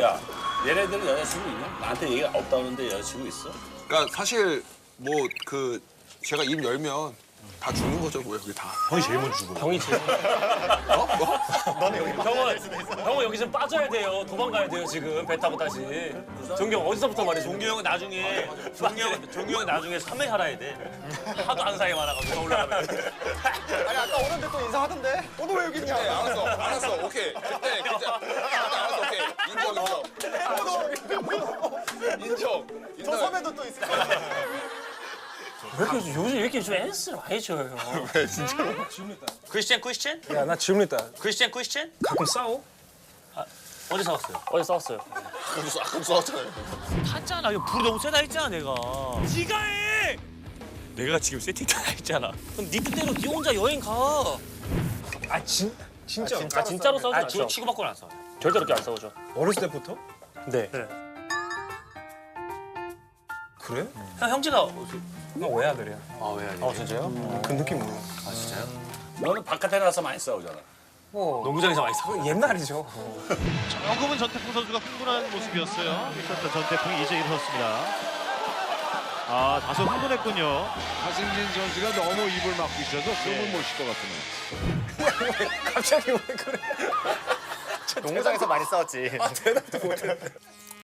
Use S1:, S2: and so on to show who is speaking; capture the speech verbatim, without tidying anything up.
S1: 야, 얘네들은 여자친구 있냐? 나한테 얘기 없다는데 여자친구 있어?
S2: 그러니까 사실 뭐 그 제가 입 열면 다 죽는 거죠, 뭐 여기 다.
S3: 형이 제일 먼저 죽어.
S4: 형이 제일.
S2: 어? 뭐?
S4: 형은 형은 여기 좀 빠져야 돼요. 도망가야 돼요 지금 배 타고 다시. 종기 형 어디서부터 말해? 종기 형은 나중에 종기 형 종기 형 나중에 삼회 살아야 돼. 하도 안 사이 많아가지고 올라가면.
S5: 아니 아까 오는데 또 인사하던데? 오늘 왜 여기 있냐?
S2: 네, 알았어, 알았어, 오케이. 네, 괜찮아. 알았어, 오케이. 인정, 인정. 인정.
S5: 저 섬에도 또 있을 거야.
S4: 왜 이렇게 요즘 왜 이렇게 좀 S를 많이 줘요?
S2: 왜 진짜로?
S4: 크리스찬 크리스찬?
S3: 야, 나 질문 있다.
S4: 크리스찬 크리스찬?
S3: 가끔 싸워?
S4: 어디 싸웠어요? 어디 싸웠어요?
S2: 아까 써, 아까 써왔잖아요.
S4: 탔잖아. 이거 불이 너무 세다 했잖아 내가. 네가 해. 내가 지금 세팅 다 했잖아. 그럼 네 뜻대로 네 혼자 여행 가.
S3: 아, 진, 진짜?
S4: 아 진짜로 싸우지
S3: 아,
S4: 않죠?
S3: 저-
S4: 치고받고는 안 싸워. 절대로 그렇게 안 싸우죠.
S3: 어렸을 때부터?
S4: 네.
S3: 그래?
S4: 형 형제가
S3: 나 외아들이야.
S4: 아 왜? 아 진짜요?
S3: 그 느낌 몰라.
S4: 아 진짜요?
S1: 너는 바깥에 나가서 많이 싸우잖아.
S3: 뭐,
S4: 농구장에서 많이 싸워.
S3: 그 옛날이죠.
S6: 조금은 전태풍 선수가 흥분한 모습이었어요. 있었던 전태풍이 이제 일어섰습니다. 아, 다소 흥분했군요.
S7: 하승진 선수가 너무 입을 막고 있어서 숨을 못 쉴 것 같으네.
S3: 갑자기 왜 그래?
S5: 농구장에서 많이 싸웠지.
S3: 대답도 못해.